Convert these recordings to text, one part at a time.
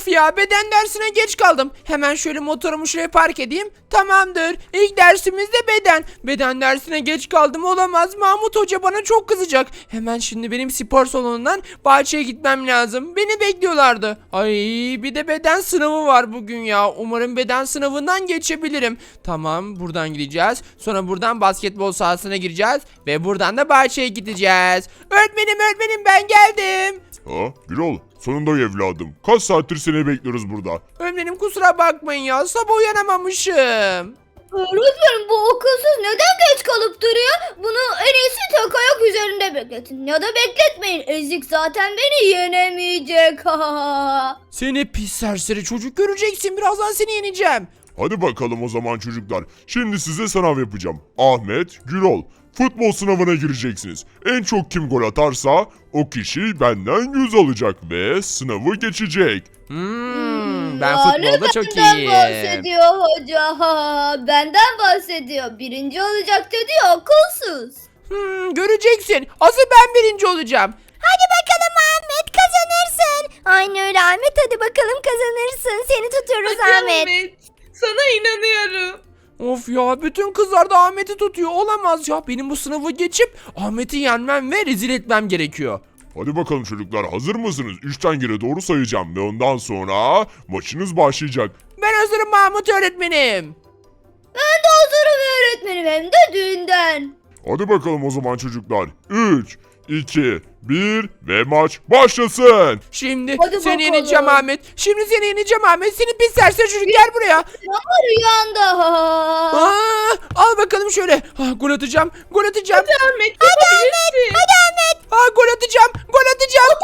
Of ya, beden dersine geç kaldım. Hemen şöyle motorumu şuraya park edeyim. Tamamdır. İlk dersimiz de beden. Beden dersine geç kaldım, olamaz. Mahmut Hoca bana çok kızacak. Hemen şimdi benim spor salonundan bahçeye gitmem lazım. Beni bekliyorlardı. Ay, bir de beden sınavı var bugün ya. Umarım beden sınavından geçebilirim. Tamam, buradan gideceğiz. Sonra buradan basketbol sahasına gireceğiz. Ve buradan da bahçeye gideceğiz. Öğretmenim ben geldim. Ha, Gürol, sonunda evladım. Kaç saattir seni bekliyoruz burada. Öğretmenim kusura bakmayın ya, sabah uyanamamışım. Öğretmenim bu okulsuz neden geç kalıp duruyor? Bunu en iyisi tek ayak üzerinde bekletin. Ya da bekletmeyin. Ezik zaten beni yenemeyecek. Seni pis serseri çocuk, göreceksin, birazdan seni yeneceğim. Hadi bakalım o zaman çocuklar. Şimdi size sınav yapacağım. Ahmet, Gürol, futbol sınavına gireceksiniz. En çok kim gol atarsa o kişi benden 100 alacak ve sınavı geçecek. Ben Ya, futbolda çok benden iyiyim. bahsediyor hoca. Benden bahsediyor. Birinci olacak dedi ya, okulsuz. Göreceksin. Asıl ben birinci olacağım. Hadi bakalım Ahmet, kazanırsın. Aynı öyle Ahmet, hadi bakalım kazanırsın. Seni tutuyoruz Hadi Ahmet. Sana inanıyorum. Of ya, bütün kızlar da Ahmet'i tutuyor. Olamaz ya, benim bu sınavı geçip Ahmet'i yenmem ve rezil etmem gerekiyor. Hadi bakalım çocuklar, hazır mısınız? 3'ten geri doğru sayacağım ve ondan sonra maçınız başlayacak. Ben hazırım Mahmut öğretmenim. Ben de hazırım öğretmenim, hem de düğünden. Hadi bakalım o zaman çocuklar. 3, 2, 1 ve maç başlasın. Şimdi Hadi seni bakalım. yeneceğim Ahmet. Şimdi seni yeneceğim Ahmet. Seni pis serseri çocuk, gel buraya. Ama rüyanda. Al bakalım şöyle. Gol atacağım. Gol atacağım. Ahmet yapabilirsin. Gol atacağım. Gol atacağım.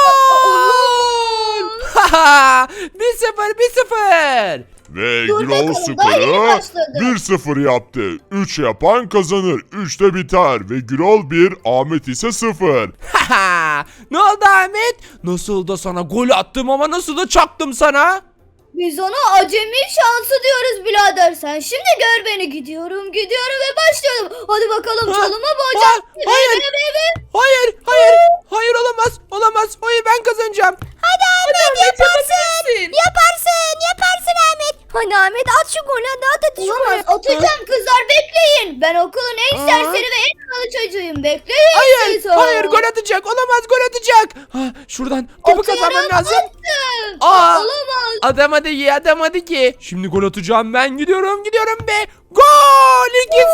Gol! 1-0, 1-0. Ve Dur Gürol bakalım, daha yeni skoru başladı. 1-0 yaptı. 3 yapan kazanır. 3'te biter ve Gürol 1, Ahmet ise 0. Ne oldu Ahmet? Nasıl da sana gol attım ama nasıl da çaktım sana? Biz ona acemi şansı diyoruz birader. Sen şimdi gör beni. Gidiyorum ve başlıyorum. Hadi bakalım, çalıma boğacağım. Hayır. Hayır, olamaz. Hayır, ben kazanacağım. Hadi Ahmet, Yaparsın. Yaparsın Ahmet. Hadi Ahmet, at şu golü, at şu golü. Atacağım kızlar, bekleyin. Ben okulun en serseri ve en havalı çocuğuyum. Bekleyin siz. Hayır, gol atacak. Olamaz, gol atacak. Şuradan topu kazanmam lazım. Aa, Olamaz. Atamadı ki. Şimdi gol atacağım, ben gidiyorum be. Gol!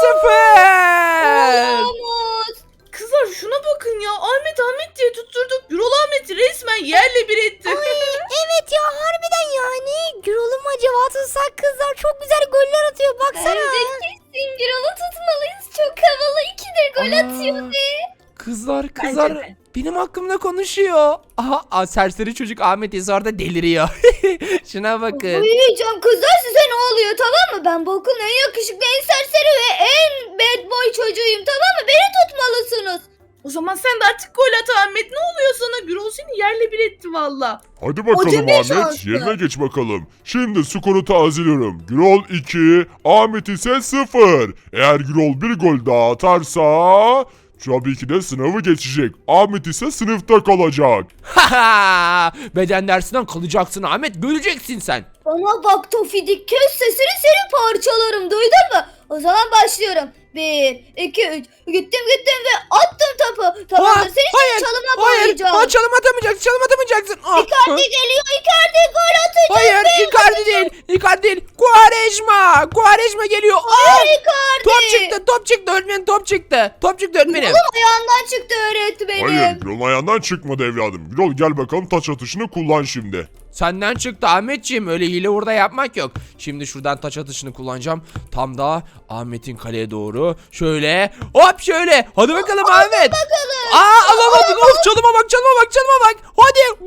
2-0. Olamaz. Kızlar şuna bakın ya. Ahmet diye tutturduk. Gürol Ahmet'i resmen yerle bir etti. Evet ya, harbiden yani. Gürol'u mu acaba tutsak, kızlar çok güzel goller atıyor, baksana. Bence kesin Gürol'u tutmalıyız. Çok havalı, ikidir gol atıyor be. Kızlar Bence de. benim hakkımda konuşuyor. Serseri çocuk Ahmet ise orada deliriyor. Şuna bakın. Uyuyacağım kızlar, size ne oluyor, tamam mı? Ben bu okulun en yakışıklı, en serseri ve en bad boy çocuğuyum, tamam mı? Beni tutmalısınız. O zaman sen de artık gol at Ahmet. Ne oluyor sana? Gürol seni yerle bir etti valla. Hadi bakalım Acemi Ahmet, şansı. yerine geç bakalım. Şimdi skoru tazeliyorum. Gürol 2, Ahmet ise 0. Eğer Gürol bir gol daha atarsa tabii ki de sınavı geçecek. Ahmet ise sınıfta kalacak. Beden dersinden kalacaksın Ahmet, göreceksin sen. Bana bak Tofidik, kes sesini, seni parçalarım, duydun mu? O zaman başlıyorum. 1, 2, 3. Gittim ve attım topu. Tamam mı? Seni şimdi çalıma bağlayacağım. Çalım atamayacaksın. Icardi geliyor, Icardi gol atacak. Hayır, Icardi değil. Quaresma geliyor. Icardi. Top çıktı öğretmenim, top çıktı öğretmenim. Oğlum ayağından çıktı öğretmenim. Hayır, Gürol'un ayağından çıkmadı evladım. Gürol gel bakalım, taç atışını kullan şimdi. Senden çıktı Ahmetciğim, öyle hile hurda yapmak yok. Şimdi şuradan taç atışını kullanacağım. Tam da Ahmet'in kaleye doğru. Şöyle hop şöyle. Hadi bakalım Ahmet. Alamadın. Of, çalıma bak. Hadi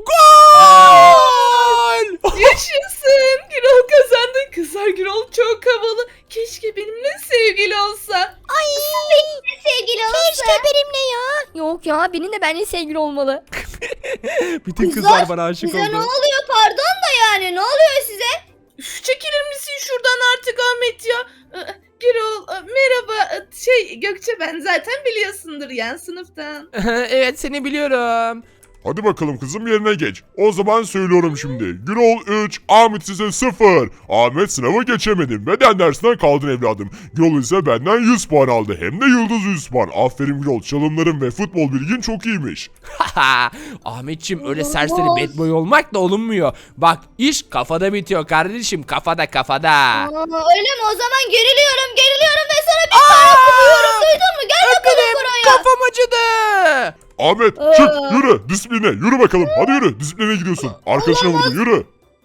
gol. Yaşasın. Gürol kazandı. Kızlar Gürol çok havalı. Keşke benimle sevgili olsa. Ay, benimle sevgili olsa. Keşke benimle ya. Yok ya, benimle benimle sevgili olmalı. Bütün kızlar bana aşık Size ne oldu. oluyor, pardon da yani, ne oluyor size? Üf, çekilir misin şuradan artık Ahmet ya? Gürol merhaba. Gökçe ben zaten biliyorsundur yan sınıftan. Evet, seni biliyorum. Hadi bakalım kızım yerine geç. O zaman söylüyorum şimdi. Gürol 3, Ahmet ise 0. Ahmet sınavı geçemedi. Beden dersinden kaldın evladım. Gürol ise benden 100 puan aldı. Hem de yıldız 100 puan. Aferin Gürol. Çalımların ve futbol bilgin çok iyiymiş. Ahmetçim öyle serseri bad boy olmak da olunmuyor. Bak iş kafada bitiyor kardeşim, kafada. Öyle mi? O zaman geriliyorum ve sana bir tane kuruyorum. Duydun mu? Gel bakalım buraya. Kafam acıdı. Ahmet çık yürü disipline yürü bakalım. Hadi yürü disipline gidiyorsun. Arkadaşına vurdun yürü.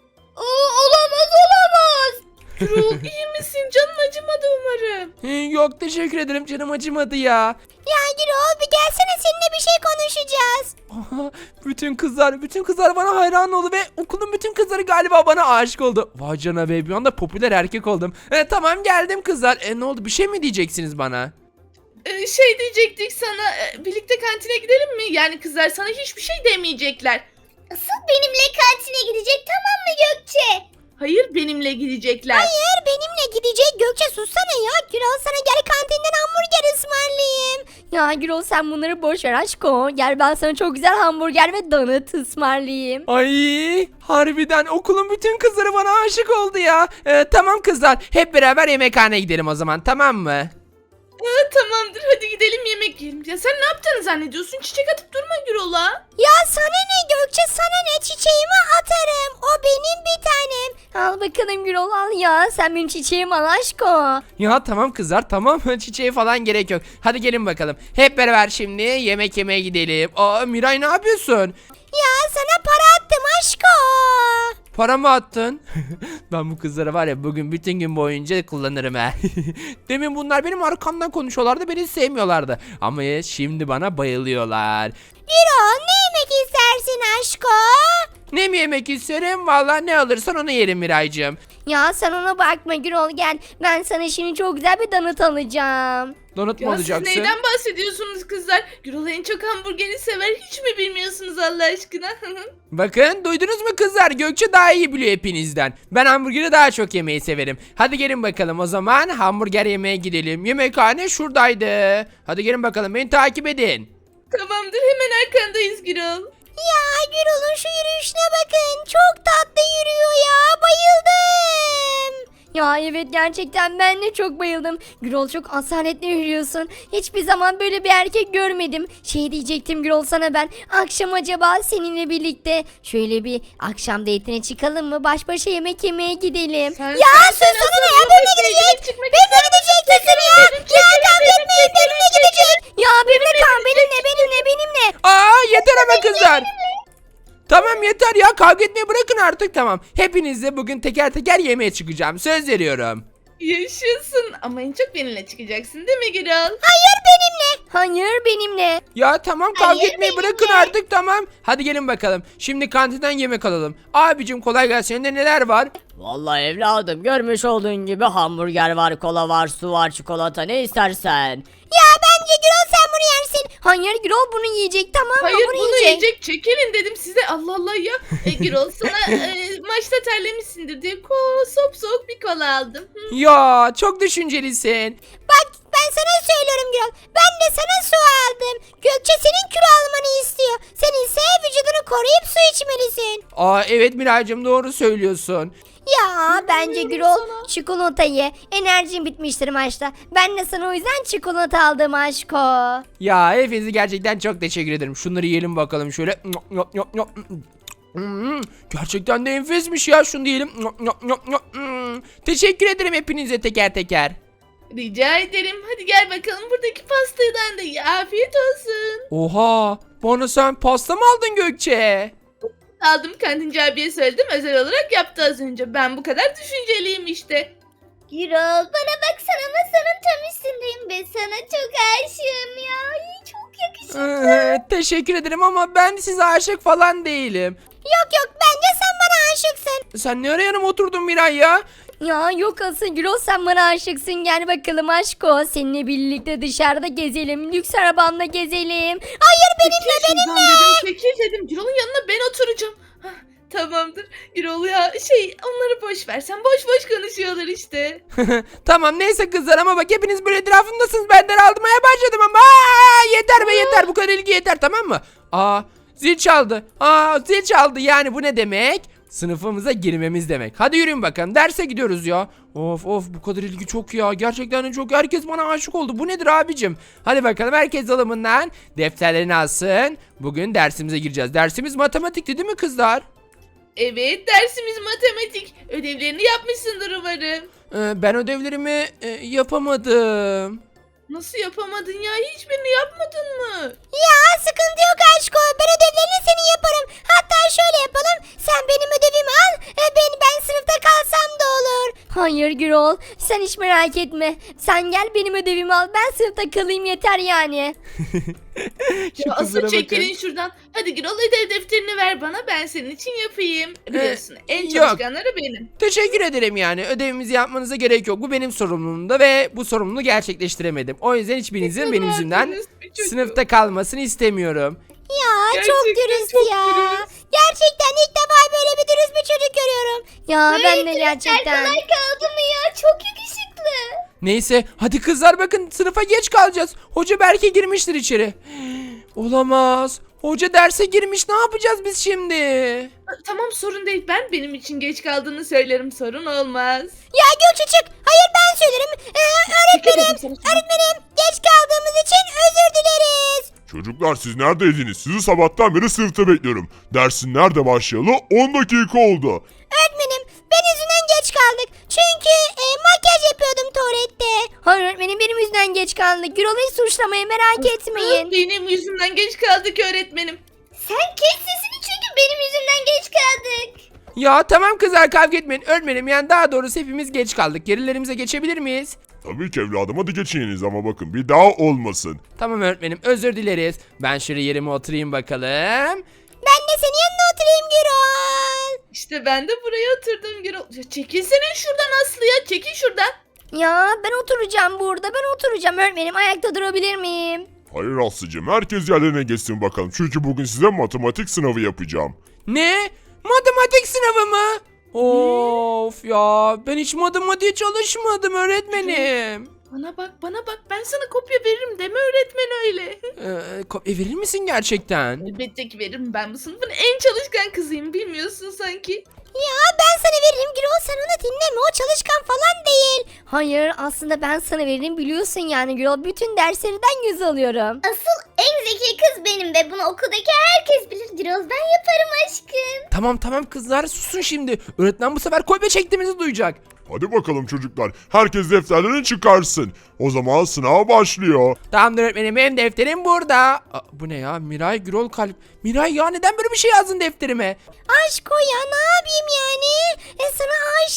Olamaz. Gürol iyi misin? Canın acımadı umarım. Yok teşekkür ederim, canım acımadı ya. Ya Gürol bir gelsene, seninle bir şey konuşacağız. Aha, bütün kızlar bana hayran oldu ve okulun bütün kızları galiba bana aşık oldu. Vay canına be, bir anda popüler erkek oldum. Tamam geldim kızlar. Ne oldu, bir şey mi diyeceksiniz bana? Şey diyecektik sana, birlikte kantine gidelim mi? Yani kızlar sana hiçbir şey demeyecekler. Asıl benimle kantine gidecek, tamam mı Gökçe? Hayır, benimle gidecekler. Hayır, benimle gidecek. Gökçe sussana ya. Gürol sana gel kantinden hamburger ısmarlayayım. Ya Gürol sen bunları boş ver aşko. Gel ben sana çok güzel hamburger ve donut ısmarlayayım. Ay harbiden okulun bütün kızları bana aşık oldu ya. Tamam kızlar, hep beraber yemekhaneye gidelim o zaman, tamam mı? Tamamdır, hadi gidelim yemek yiyelim. Ya sen ne yaptığını zannediyorsun? Çiçek atıp durma Gürol'a. Ya sana ne Gökçe, sana ne, çiçeğimi atarım. O benim bir tanem. Al bakalım Gürol al ya. Sen benim çiçeğim al aşko. Ya tamam kızlar, tamam. Çiçeğe falan gerek yok. Hadi gelin bakalım. Hep beraber şimdi yemek yemeye gidelim. Miray ne yapıyorsun? Ya sana para attım aşko. Para mı attın? Ben bu kızları var ya bugün bütün gün boyunca kullanırım ha. Demin bunlar benim arkamdan konuşuyorlardı, beni sevmiyorlardı. Ama şimdi bana bayılıyorlar. Gürol ne yemek istersin aşko? Ne mi yemek isterim? Vallahi ne alırsan onu yerim Miraycığım. Ya sen ona bakma Gürol gel. Ben sana şimdi çok güzel bir donut alacağım. Donut mu Ya siz alacaksın? neyden bahsediyorsunuz kızlar? Gürol en çok hamburgeri sever. Hiç mi bilmiyorsunuz Allah aşkına? Bakın duydunuz mu kızlar? Gökçe daha iyi biliyor hepinizden. Ben hamburgeri daha çok yemeyi severim. Hadi gelin bakalım o zaman hamburger yemeye gidelim. Yemekhane şuradaydı. Hadi gelin bakalım, beni takip edin. Tamamdır, hemen arkandayız Gürol. Ya Gürol'un şu yürüyüşüne bakın. Çok tatlı yürüyor ya. Bayıldım. Ya evet gerçekten ben de çok bayıldım. Gürol çok asaletli yürüyorsun. Hiçbir zaman böyle bir erkek görmedim. Şey diyecektim Gürol sana ben. Akşam acaba seninle birlikte şöyle bir akşam date'ine çıkalım mı? Baş başa yemek yemeye gidelim. Sussana ne ya, benimle gidecek. Benimle gidecek kızım ya. Ya kavga etmeyin, benimle gidecek. Ya benimle. Yeter ama kızlar. Tamam yeter ya, kavga etmeyi bırakın artık, tamam. Hepinizle bugün teker teker yemeğe çıkacağım, söz veriyorum. Yaşasın, ama en çok benimle çıkacaksın değil mi Gürol? Hayır benimle. Ya tamam, kavga Hayır, etmeyi bırakın artık, tamam. Hadi gelin bakalım. Şimdi kantinden yemek alalım. Abicim kolay gelsin. Elinde neler var? Vallahi evladım görmüş olduğun gibi hamburger var, kola var, su var, çikolata ne istersen. Ya bence Gürol sen bunu yersin. Hayır Gürol bunu yiyecek tamam mı? Hayır, Bunu bunu yiyecek. Çekilin dedim size. Allah Allah ya. Gürol sana maçta terlemişsindir diye soğuk bir kola aldım. Hı. Ya çok düşüncelisin. Bak ben sana söylüyorum Gürol. Ben de sana su aldım. Gökçe senin kilo almanı istiyor. Sen ise vücudunu koruyup su içmelisin. Evet Miraycığım, doğru söylüyorsun. Ya Bence Gürol çikolata ye. Enerjin bitmiştir maçta. Ben de sana o yüzden çikolata aldım aşko. Ya hepinize gerçekten çok teşekkür ederim. Şunları yiyelim bakalım şöyle. Gerçekten de enfesmiş ya, şunu diyelim. Teşekkür ederim hepinize teker teker. Rica ederim. Hadi gel bakalım buradaki pastadan da ye. Afiyet olsun. Oha, bana sen pasta mı aldın Gökçe? Aldım, kantinci abiye söyledim. Özel olarak yaptı az önce. Ben bu kadar düşünceliyim işte. Gürol bana baksana, masanın tam üstündeyim ve sana çok aşığım ya. Ay, çok yakışıklı. Teşekkür ederim ama ben size aşık falan değilim. Yok bence sen bana aşıksın. Sen ne ara yanıma oturdun Miray ya? Ya yok asıl Gürol sen bana aşıksın. Gel bakalım aşko. Seninle birlikte dışarıda gezelim. Lüks arabamla gezelim. Hayır Çekil şuradan dedim. Çekil dedim. Gürol'un yanına ben oturacağım. Hah, tamamdır. Gürol ya onları boş ver. Sen boş konuşuyorlar işte. Tamam neyse kızlar, ama bak hepiniz böyle etrafımdasınız, ben daralmaya başladım ama. Yeter be yeter, bu kadar ilgi yeter, tamam mı? Zil çaldı. Zil çaldı yani bu ne demek? Sınıfımıza girmemiz demek. Hadi yürüyün bakalım derse gidiyoruz ya. Of bu kadar ilgi çok ya. Gerçekten de çok. Herkes bana aşık oldu. Bu nedir abicim? Hadi bakalım herkes alımından defterlerini alsın. Bugün dersimize gireceğiz. Dersimiz matematikti değil mi kızlar? Evet, dersimiz matematik. Ödevlerini yapmışsındır umarım. Ben ödevlerimi yapamadım. Nasıl yapamadın ya? Hiçbirini yapmadın mı? Ya sıkıntı yok aşko. Ben ödevlerini senin yaparım. Hatta şöyle yapalım. Sen benim ödevimi al. Ben sınıfta kalsam da olur. Hayır Gürol. Sen hiç merak etme. Sen gel benim ödevimi al. Ben sınıfta kalayım yeter yani. Şu Ya kızlara asıl bakın. çekilin şuradan. Hadi Gürol, ödev defterini ver bana, ben senin için yapayım. Biliyorsun en yok. çalışkanları benim. Teşekkür ederim yani. Ödevimizi yapmanıza gerek yok. Bu benim sorumluluğumda ve bu sorumluluğu gerçekleştiremedim. O yüzden hiçbirinizin benim yüzümden dürüst bir çocuk. sınıfta kalmasını istemiyorum. Ya çok Gerçekten dürüst çok ya. dürüst. Gerçekten ilk defa böyle bir dürüst bir çocuk görüyorum. Ya ben de gerçekten. Kolay kaldı mı ya? Çok yakışıklı. Neyse hadi kızlar bakın sınıfa geç kalacağız. Hoca belki girmiştir içeri. Olamaz. Hoca derse girmiş, ne yapacağız biz şimdi? Tamam, sorun değil. Ben benim için geç kaldığını söylerim. Sorun olmaz. Ya Gökçe çık. Hayır ben söylerim. Öğretmenim. Öğretmenim geç kaldığımız için özür dileriz. Çocuklar siz neredeydiniz? Sizi sabahtan beri sınıfta bekliyorum. Dersin nerede başlayalı? 10 dakika oldu. Öğretmenim ben yüzünden geç kaldık. Çünkü makyaj yapıyordum tuvalette. Hayır öğretmenim benim yüzümden geç kaldık. Gürol'u hiç suçlamayın merak etmeyin. Benim yüzümden geç kaldık öğretmenim. Sen kes sesini çünkü benim yüzümden geç kaldık. Ya tamam kızlar kavga etmeyin. Öğretmenim yani daha doğrusu hepimiz geç kaldık. Yerlerimize geçebilir miyiz? Tabii ki evladım, hadi geçiniz ama bakın bir daha olmasın. Tamam öğretmenim özür dileriz. Ben şöyle yerime oturayım bakalım. Ben de senin yanına oturayım Gürol. İşte ben de buraya oturdum Gürol. Ya çekilsene şuradan Aslı ya. Çekil şuradan. Ya ben oturacağım burada. Ben oturacağım öğretmenim. Ayakta durabilir miyim? Hayır Aslı'cığım, herkes yerlerine geçsin bakalım. Çünkü bugün size matematik sınavı yapacağım. Ne? Matematik sınavı mı? Of ya ben hiç matematiğe çalışmadım öğretmenim. Bana bak. Ben sana kopya veririm deme öğretmen öyle. Kopya verir misin gerçekten? Elbette ki veririm. Ben bu sınıfın en çalışkan kızıyım. Bilmiyorsun sanki. Ya ben sana veririm Gürol sen onu dinleme o çalışkan falan değil. Hayır aslında ben sana veririm biliyorsun yani Gürol bütün derslerden 100 alıyorum. Asıl en zeki kız benim ve bunu okuldaki herkes bilir. Gürol ben yaparım aşkım. Tamam kızlar susun şimdi. Öğretmen bu sefer kopya çektiğimizi duyacak. Hadi bakalım çocuklar, herkes defterlerini çıkarsın. O zaman sınav başlıyor. Tamamdır öğretmenim benim defterim burada. Bu ne ya Miray Gürol Kalp. Miray ya neden böyle bir şey yazdın defterime? Aşk o ya ne yapayım yani? Sana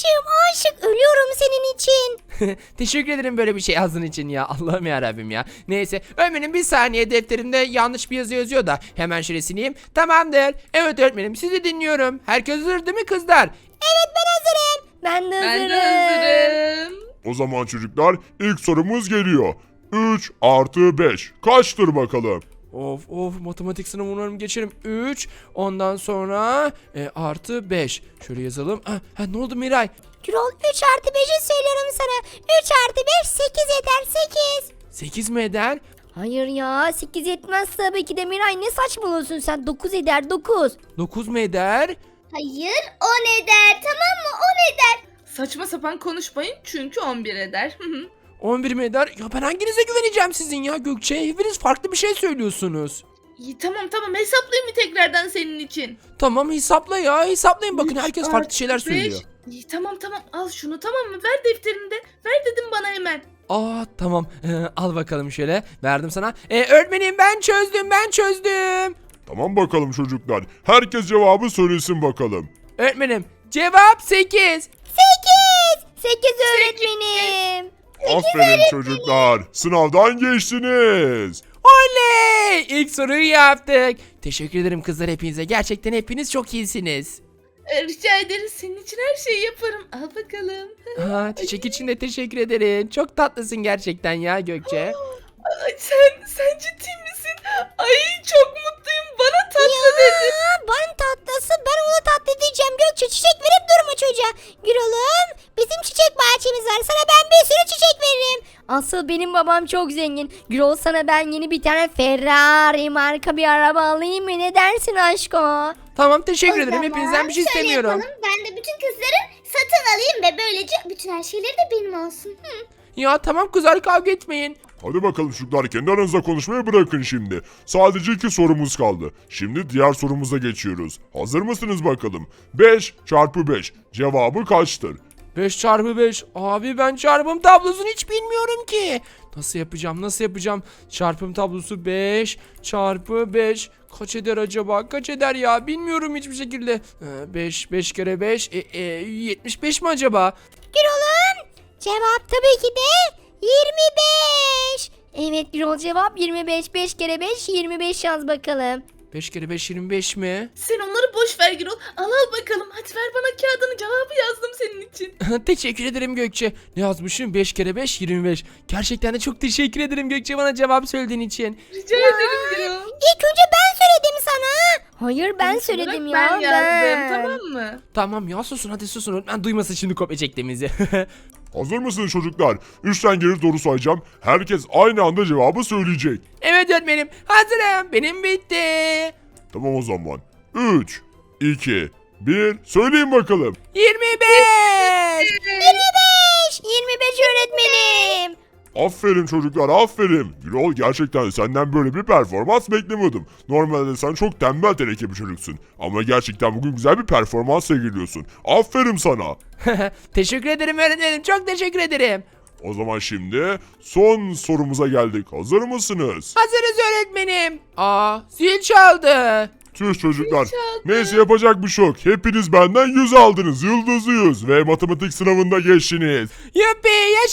aşık ölüyorum senin için. Teşekkür ederim böyle bir şey yazdığın için ya. Allah'ım yarabbim ya. Neyse öğretmenim bir saniye defterimde yanlış bir yazı yazıyor da hemen şöyle sileyim. Tamamdır. Evet öğretmenim sizi dinliyorum. Herkes hazır değil mi kızlar? Evet ben hazırım. Ben de Ben hazırım. de hazırım. O zaman çocuklar ilk sorumuz geliyor. 3 artı 5 kaçtır bakalım? Of matematik sınavı umarım geçerim. 3 ondan sonra artı 5. Şöyle yazalım. Ne oldu Miray? Gürol 3 artı 5'i söylüyorum sana. 3 artı 5 8 eder 8. 8 mi eder? Hayır ya 8 yetmez tabii ki de Miray ne saçmalıyorsun sen 9 eder 9. 9 mu eder? Hayır 10 eder tamam mı 10 eder. Saçma sapan konuşmayın çünkü 11 eder. 11 mi eder? Ya ben hanginize güveneceğim sizin ya Gökçe? Hepiniz farklı bir şey söylüyorsunuz. İyi, tamam hesaplayayım mı tekrardan senin için? Tamam hesapla ya hesaplayın bakın Üç herkes farklı artı şeyler beş. söylüyor. İyi, tamam al şunu tamam mı? Ver defterini de. Ver dedim bana hemen. Tamam al bakalım şöyle verdim sana. Öğretmenim ben çözdüm. Tamam bakalım çocuklar, herkes cevabı söylesin bakalım. Öğretmenim cevap 8. 8 öğretmenim. Aferin çocuklar, sınavdan geçtiniz. Oley! İlk soruyu yaptık. Teşekkür ederim kızlar hepinize. Gerçekten hepiniz çok iyisiniz. Rica ederiz, senin için her şeyi yaparım. Al bakalım. Çiçek için de teşekkür ederim. Çok tatlısın gerçekten ya Gökçe. Ay, sen ciddi misin? Ay çok mutluyum. Bana tatlı dedi. Ben tatlısı ben ona tatlı diyeceğim Gökçe çiçek verip durma çocuğa. Gürol'um bizim çiçek bahçemiz var. Sana ben bir sürü çiçek veririm. Asıl benim babam çok zengin. Gürol sana ben yeni bir tane Ferrari marka bir araba alayım mı? Ne dersin aşko? Tamam teşekkür O ederim. zaman Hepinizden bir şey şöyle istemiyorum. yapalım, ben de bütün kızları satın alayım ve böylece bütün her şeyleri de benim olsun. Ya tamam kızlar kavga etmeyin. Hadi bakalım çocuklar, kendi aranızda konuşmayı bırakın şimdi. Sadece 2 sorumuz kaldı. Şimdi diğer sorumuza geçiyoruz. Hazır mısınız bakalım? 5 çarpı 5 cevabı kaçtır? 5 çarpı 5. Abi ben çarpım tablosunu hiç bilmiyorum ki. Nasıl yapacağım? Çarpım tablosu 5 çarpı 5. Kaç eder acaba? Kaç eder ya? Bilmiyorum hiçbir şekilde. 5 kere 5. 75 mi acaba? Gürol'um cevap tabii ki de 25. Evet Gürol cevap 25. 5 kere 5 25 yaz bakalım. 5 kere 5 25 mi? Sen onları boş ver Gürol. Al bakalım. Hadi ver bana kağıdını, cevabı yazdım senin için. Teşekkür ederim Gökçe. Ne yazmışım? 5 kere 5 25. Gerçekten de çok teşekkür ederim Gökçe bana cevap söylediğin için. Rica ederim Gürol. İlk önce ben söyledim sana. Hayır ben Sonuç olarak söyledim ya. Ben yazdım, tamam mı? Tamam ya susun hadi susun. Ben duymasın şimdi kopya çektiğimizi. Hazır mısınız çocuklar? 3'ten geri doğru sayacağım. Herkes aynı anda cevabı söyleyecek. Evet öğretmenim. Hazırım. Benim bitti. Tamam o zaman. 3, 2, 1 söyleyin bakalım. 25. 25 öğretmenim. Aferin çocuklar, aferin. Gürol, gerçekten senden böyle bir performans beklemiyordum. Normalde sen çok tembel teneke bir çocuksun. Ama gerçekten bugün güzel bir performans sergiliyorsun. Aferin sana. Teşekkür ederim öğretmenim. Çok teşekkür ederim. O zaman şimdi son sorumuza geldik. Hazır mısınız? Hazırız öğretmenim. Zil çaldı. Tüh çocuklar. Neyse, yapacak bir şey yok. Hepiniz benden 100 aldınız. Yıldızı 100 ve matematik sınavında geçtiniz. Yuppi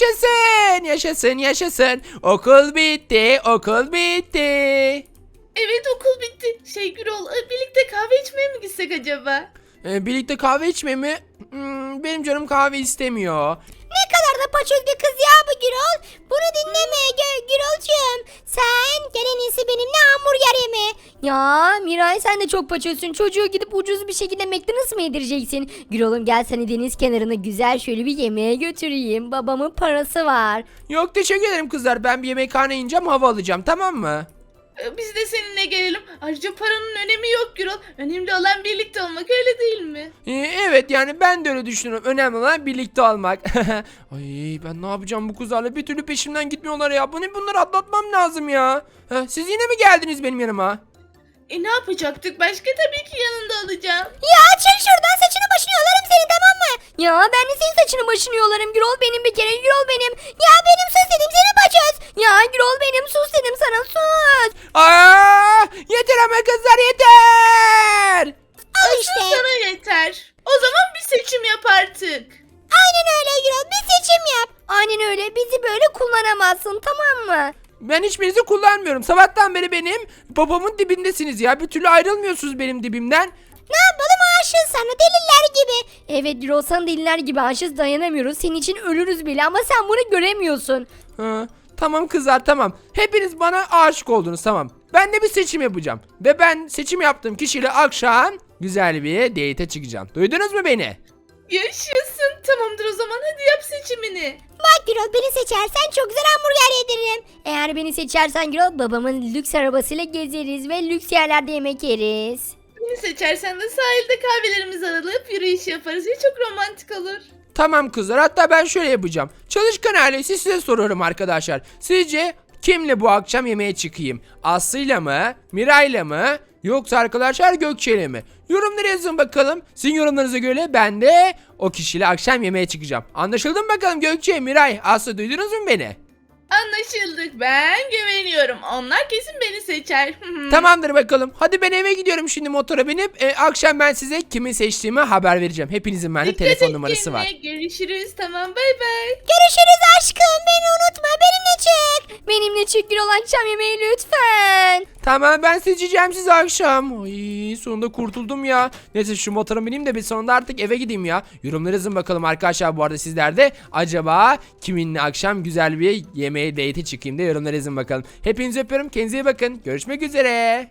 yaşasın. Okul bitti. Evet, okul bitti. Gürol, birlikte kahve içmeye mi gitsek acaba? Birlikte kahve içme mi? Benim canım kahve istemiyor. Ne kadar da paçoz bir kız ya bu Gürol. Bunu dinleme Gürolcuğum. Sen gel en iyisi benimle hamburger yeme. Ya Miray sen de çok paçozsun. Çocuğu gidip ucuz bir şekilde McDonald's mı yedireceksin? Gürol'um gel seni deniz kenarına güzel şöyle bir yemeğe götüreyim. Babamın parası var. Yok teşekkür ederim kızlar. Ben bir yemekhane ineceğim hava alacağım tamam mı? Biz de seninle gelelim. Ayrıca paranın önemi yok Gürol. Önemli olan birlikte olmak, öyle değil mi? Evet yani ben de öyle düşünüyorum. Önemli olan birlikte olmak. Ay ben ne yapacağım bu kızlarla? Bir türlü peşimden gitmiyorlar ya. Bunları atlatmam lazım ya. Siz yine mi geldiniz benim yanıma? Ne yapacaktık başka? Tabii ki yanında olacağım. Ya çık şuradan saçını başını yolarım seni tamam mı? Ya ben de senin saçını başını yolarım. Gürol benim bir kere Gürol benim. Ya benim sus dedim seni paçoz. Ya Gürol benim sus dedim sana sus. Yeter ama kızlar yeter. Al işte. Sana yeter. O zaman bir seçim yap artık. Aynen öyle Gürol bir seçim yap. Aynen öyle bizi böyle kullanamazsın tamam mı? Ben hiçbirinizi kullanmıyorum. Sabahtan beri benim babamın dibindesiniz ya. Bir türlü ayrılmıyorsunuz benim dibimden. Ne yapalım aşığız sana deliler gibi. Evet Gürol sana deliler gibi aşığız dayanamıyoruz. Senin için ölürüz bile ama sen bunu göremiyorsun. Tamam kızlar tamam. Hepiniz bana aşık oldunuz tamam. Ben de bir seçim yapacağım. Ve ben seçim yaptığım kişiyle akşam güzel bir date'e çıkacağım. Duydunuz mu beni? Yaşasın. Tamamdır o zaman, hadi yap seçimini. Bak Gürol beni seçersen çok güzel hamburger yediririm. Eğer beni seçersen Gürol babamın lüks arabasıyla gezeriz ve lüks yerlerde yemek yeriz. Beni seçersen de sahilde kahvelerimizi alıp yürüyüş yaparız ve çok romantik olur. Tamam kızlar hatta ben şöyle yapacağım. Çalışkan ailesi size soruyorum arkadaşlar. Sizce kimle bu akşam yemeğe çıkayım? Aslı'yla mı? Miray'la mı? Yoksa arkadaşlar Gökçe'yle mi? Yorumlara yazın bakalım. Sizin yorumlarınıza göre ben de o kişiyle akşam yemeğe çıkacağım. Anlaşıldı mı bakalım Gökçe, Miray, Aslı duydunuz mu beni? Anlaşıldık, ben güveniyorum. Onlar kesin beni seçer. Tamamdır bakalım. Hadi ben eve gidiyorum şimdi motora binip akşam ben size kimi seçtiğimi haber vereceğim. Hepinizin bende Dikkat telefon et numarası var. kendine. Görüşürüz, tamam, bay bay. Görüşürüz aşkım beni unutma benimle çık. Benimle çık Gürol akşam yemeği lütfen. Tamam ben seçeceğim sizi akşam. Ay sonunda kurtuldum ya. Neyse şu motora bineyim de bir sonunda artık eve gideyim ya. Yorumlara yazın bakalım arkadaşlar bu arada sizler de. Acaba kiminle akşam güzel bir yemeğe date'e çıkayım da yorumlara yazın bakalım. Hepinizi öpüyorum. Kendinize iyi bakın. Görüşmek üzere.